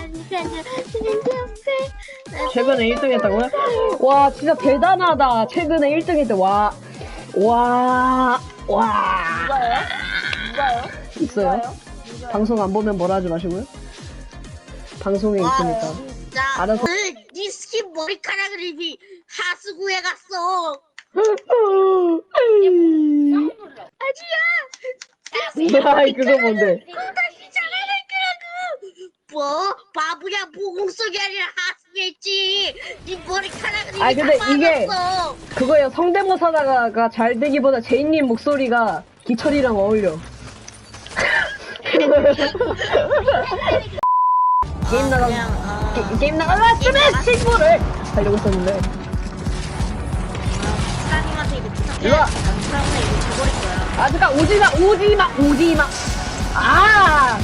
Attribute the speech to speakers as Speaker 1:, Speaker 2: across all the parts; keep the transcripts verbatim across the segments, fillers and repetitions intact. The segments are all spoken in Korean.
Speaker 1: 최근에 일 등 했다고요? 와 진짜 대단하다. 최근에 일 등 했대. 와. 와. 와.
Speaker 2: 누가요? 누가요?
Speaker 1: 있어요?
Speaker 2: 누가요? 누가요?
Speaker 1: 방송 안 보면 뭐라 하지 마시고요. 방송에 있으니까.
Speaker 2: 진짜.
Speaker 1: 알아서.
Speaker 2: 오늘 니 스킨 머리카락을 이미 하수구에 갔어. 아니야.
Speaker 1: 아이 그거 뭔데?
Speaker 2: 다시 잘하는 거라고. 뭐? 바보야, 모공 속이 아니라 하수구에 있지. 니 머리카락을 이미
Speaker 1: 아니, 근데
Speaker 2: 다
Speaker 1: 이게-
Speaker 2: 빠졌어.
Speaker 1: 그거예요. 성대모사가 잘 되기보다 제이님 목소리가 기철이랑 어울려. 게임 나가
Speaker 2: 그냥, 어,
Speaker 1: 게, 게임 나가봤으면 친구를 하려고 했었는데.
Speaker 2: 사장님한테 이거 부탁해.
Speaker 1: 일로 와.
Speaker 2: 사장님한테 이거 줘버릴 거야.
Speaker 1: 아 잠깐 오지마 오지마 오지마. 아.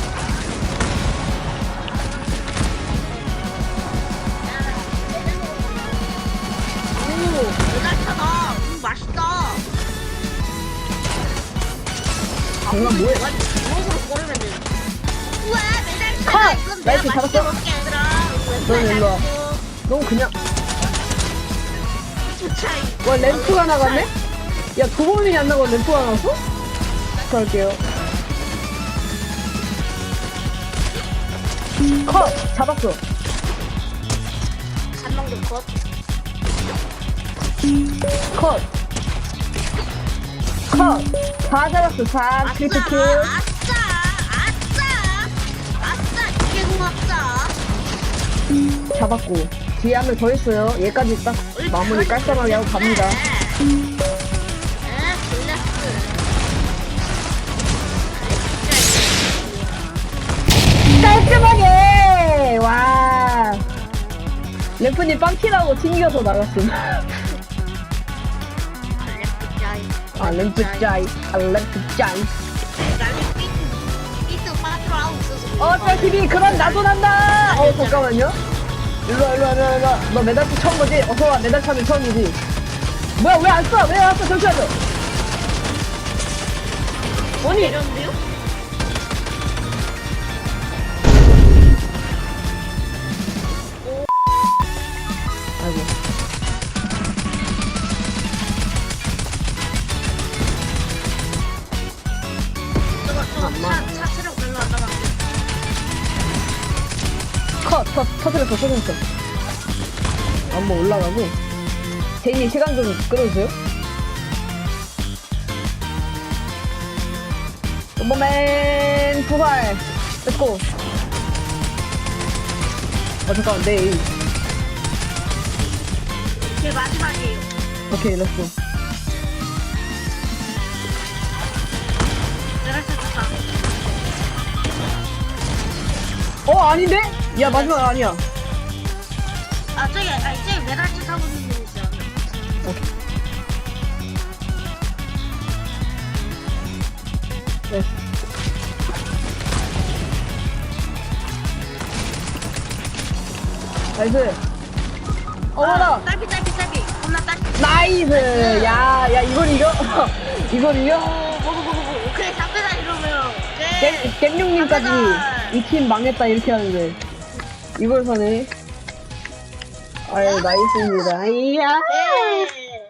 Speaker 2: 오, 메달차다. 음, 맛있다.
Speaker 1: 장난 뭐해?
Speaker 2: 무엇으로 고르면 돼? 우와, 메달차다.
Speaker 1: 컷!
Speaker 2: 이건 내가
Speaker 1: 나이스,
Speaker 2: 맛있게
Speaker 1: 잡았어.
Speaker 2: 먹게 얘들아.
Speaker 1: 넌 일로 와. 너 그냥
Speaker 2: 차이.
Speaker 1: 와 램프가 나갔네? 야 두 번이 안 나고 램프가 나왔어? 갈게요. 컷! 잡았어.
Speaker 2: 한 명도 컷.
Speaker 1: 컷! 컷! 다 잡았어. 다
Speaker 2: 아싸,
Speaker 1: 크리트 킬.
Speaker 2: 아싸, 아싸, 아싸, 이게 고맙다.
Speaker 1: 잡았고. 뒤에 한 명 더 있어요. 얘까지 딱 마무리 깔끔하게 하고 갑니다.
Speaker 2: 에, 블레스.
Speaker 1: 깔끔하게! 와. 래프님 빵키라고 튕겨서 나갔음. 아, 램프 짜이. 아, 램프 짜이. 어, 저 티비 그런 나도 난다! 어, 잠깐만요. 일로와, 일로와, 일로와, 일로와. 너 메달차 처음 보지? 어서와, 메달차는 처음이지. 뭐야, 왜 안 써? 왜 안 써? 잠시만요. 아니,
Speaker 2: 이런데요?
Speaker 1: 아이고.
Speaker 2: 저거 차, 차 체력 별로 안 남았어.
Speaker 1: 컷! 터, 터뜨렸어, 터뜨렸어. 한번 올라가고. 제이님 시간 좀 끌어주세요. bomberman 부활. 렛츠고. 어, 잠깐만, 내 에임.
Speaker 2: 제 마지막이에요.
Speaker 1: 오케이, 렛츠고.
Speaker 2: 메달차 좋다.
Speaker 1: 어, 아닌데? 야, 마지막 아니야.
Speaker 2: 아, 저기, 아, 저기 메달차 타고 있는 분 있어요.
Speaker 1: 네. 나이스. 어머나!
Speaker 2: 아, 딸피, 딸피, 딸피. 겁나 딸피.
Speaker 1: 나이스! 야, 야, 이걸 이겨? 이걸 이겨?
Speaker 2: 오, 보고, 보고, 보고. 오케이, 삼배다 이러면. 오케이.
Speaker 1: 겜룡님까지 이 팀 망했다 이렇게 하는데 이걸 사네. 아유 나이스입니다. 이야.
Speaker 2: 네.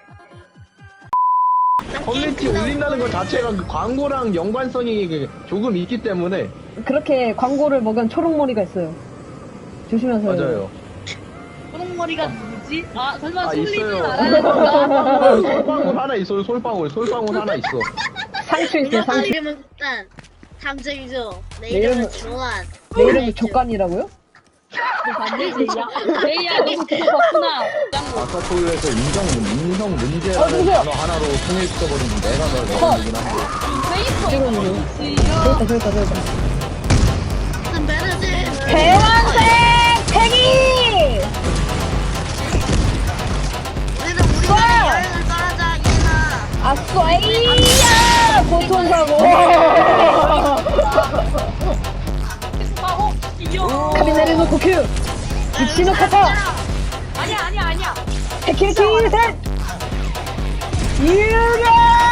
Speaker 3: 커뮤니티 올린다는 것 자체가 그 광고랑 연관성이 그 조금 있기 때문에
Speaker 1: 그렇게 광고를 먹은 초록머리가 있어요. 조심하세요.
Speaker 3: 맞아요.
Speaker 4: 초록머리가 누구지? 아 설마
Speaker 3: 아
Speaker 4: 솔리는
Speaker 3: 있어요.
Speaker 4: 알아야 건가?
Speaker 3: 솔방울 하나 있어요. 솔방울, 솔방울 하나 있어.
Speaker 1: 상추 있어요.
Speaker 2: 내
Speaker 1: 상추.
Speaker 2: 이름은 일단 탐정이죠. 내
Speaker 1: 내
Speaker 2: 이름은
Speaker 1: 이름은-
Speaker 2: 조한.
Speaker 1: 내 이름은 족간이라고요?
Speaker 4: 반대지 야 제이야 너무 그거 봤구나 짱구
Speaker 3: 아사토유에서 인정, 인성
Speaker 1: 어,
Speaker 3: 문제라는
Speaker 1: 누구야?
Speaker 3: 단어 하나로 통일시켜버린 내가 널
Speaker 1: 컷.
Speaker 3: 넣어주긴 한데.
Speaker 4: 페이커
Speaker 1: 찍어주세요.
Speaker 4: 지요
Speaker 1: 저기다 저기다 저기다.
Speaker 2: 선배는
Speaker 1: 대왕생 팽이.
Speaker 2: 우리는 우리나라 여행을 떠나자 얘나.
Speaker 1: 아싸이야 고통사고.
Speaker 4: 하고 이겨
Speaker 1: 카비네르노 고큐. 이치노 카타.
Speaker 4: 아니야 아니야 아니야
Speaker 1: 해키리 셋. 유령.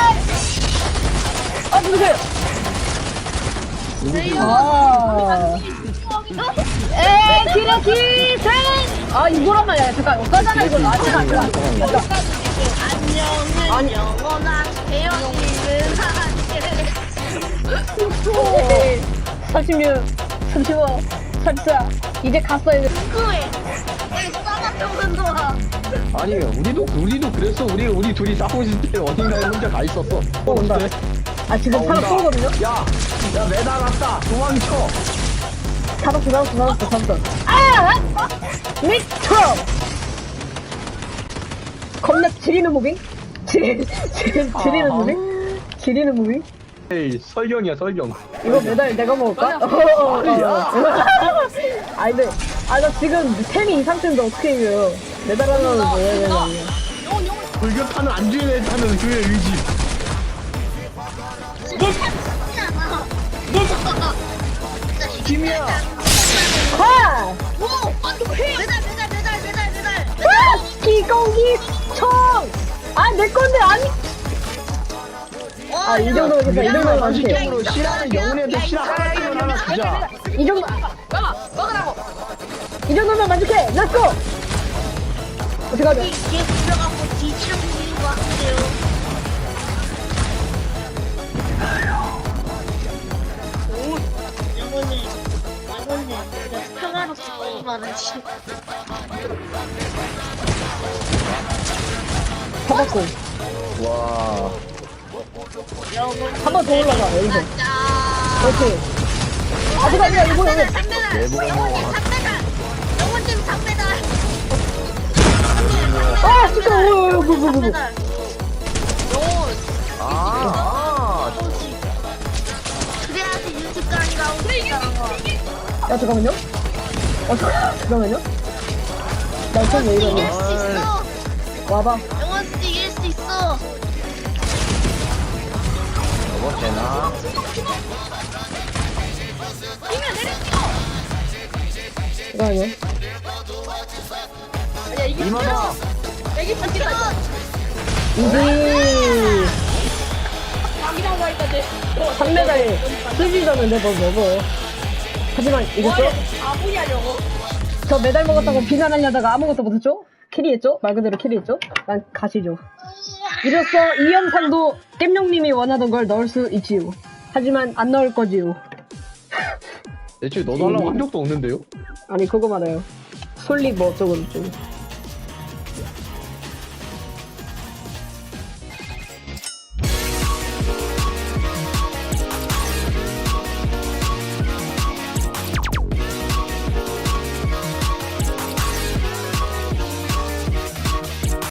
Speaker 1: 아 누구세요?
Speaker 2: 저희요.
Speaker 1: 아. 에 키라키 생! 아, 이거란 말이야. 잠깐, 어쩌잖아, 이거. 아, 잠깐, 잠깐. 잠깐.
Speaker 2: 안녕은
Speaker 1: 아니.
Speaker 2: 영원한 태연이는 하늘.
Speaker 1: 삼십육, 삼십오, 삼십사. 이제 갔어, 이제.
Speaker 2: 그거에 왜 싸가지고 와.
Speaker 3: 아니 우리도 우리도 그랬어. 우리 우리 둘이 싸우고 있을 때 어딘가에 혼자 가 있었어.
Speaker 1: 어, 온다. 아, 지금
Speaker 3: 어,
Speaker 1: 사람
Speaker 3: 온다.
Speaker 1: 쏘거든요?
Speaker 3: 야, 야 매달 왔다. 도망쳐.
Speaker 1: 잡았어, 잡았어, 잡았어, 잡았어. 아! 미쳐! 겁나 지리는 무빙? 지리, 지리, 지리는
Speaker 3: 아.
Speaker 1: 무빙? 지리는 무빙?
Speaker 3: 에이 설경이야 설경.
Speaker 1: 이거 메달 내가 먹을까? 어, 어, 어. 아, 근데, 아, 나 지금 템이 이 상태인데 어떻게 이겨요? 메달 하나는 뭐 해야 되냐.
Speaker 3: 불교타는 안주인의 타는 그의 의지.
Speaker 2: 이게 참잖아.
Speaker 3: 팀이야.
Speaker 1: 하!
Speaker 2: 오, 안돼. 메달 메달 메달 메달 메달.
Speaker 1: 아! 기공기 총! 아, 내 건데, 아니! 아, 이 정도면 괜찮아, 이 정도면 많지.
Speaker 3: 원식적으로 실화는 영혼한테 실화 하나씩은 하나 주자.
Speaker 1: 이 정도, 이 정도면 만족해! 렛츠고! 어떡하죠?
Speaker 2: 얘 불러갖고 뒤지러 보이는 것 같아요. 오, 영혼을 영혼을 평화롭게 말하지.
Speaker 1: 잡았고.
Speaker 3: 와.
Speaker 1: 한 번 더 올라가, 여기서.
Speaker 2: 자,
Speaker 1: 그렇지. 아, 누가, 누가, 이거, 이거.
Speaker 2: 삼 배달.
Speaker 3: 내보고
Speaker 2: 영혼님 삼 배달. 영혼님 삼 배달.
Speaker 1: 아, 진짜, 오, 오, 오, 오, 오, 오.
Speaker 2: 배달. 영혼.
Speaker 3: 아, 아.
Speaker 2: 그래야지 유튜브가 나오는 거.
Speaker 1: 야, 잠깐만요. 어, 잠깐- 잠깐만요. 나 이쪽 왜
Speaker 2: 이길
Speaker 1: 이러냐.
Speaker 2: 수 있어.
Speaker 1: 와봐.
Speaker 2: 영혼 이길 수 있어.
Speaker 3: 저거 되나?
Speaker 1: 잠깐만요.
Speaker 3: 이만아.
Speaker 1: 이지. 삼 메달이 쓰지잖는데 뭘 먹어. 하지만 이겼죠? 저 메달 먹었다고 비난하려다가 아무것도 못했죠? 캐리했죠? 말 그대로 캐리했죠? 난 가시죠. 이로써 이 영상도 겜룡님이 원하던 걸 넣을 수 있지요. 하지만 안 넣을 거지요.
Speaker 3: 대체 너도 하려고 한 적도 없는데요?
Speaker 1: 아니 그거 말해요. 솔리 뭐 어쩌고 저쩌고.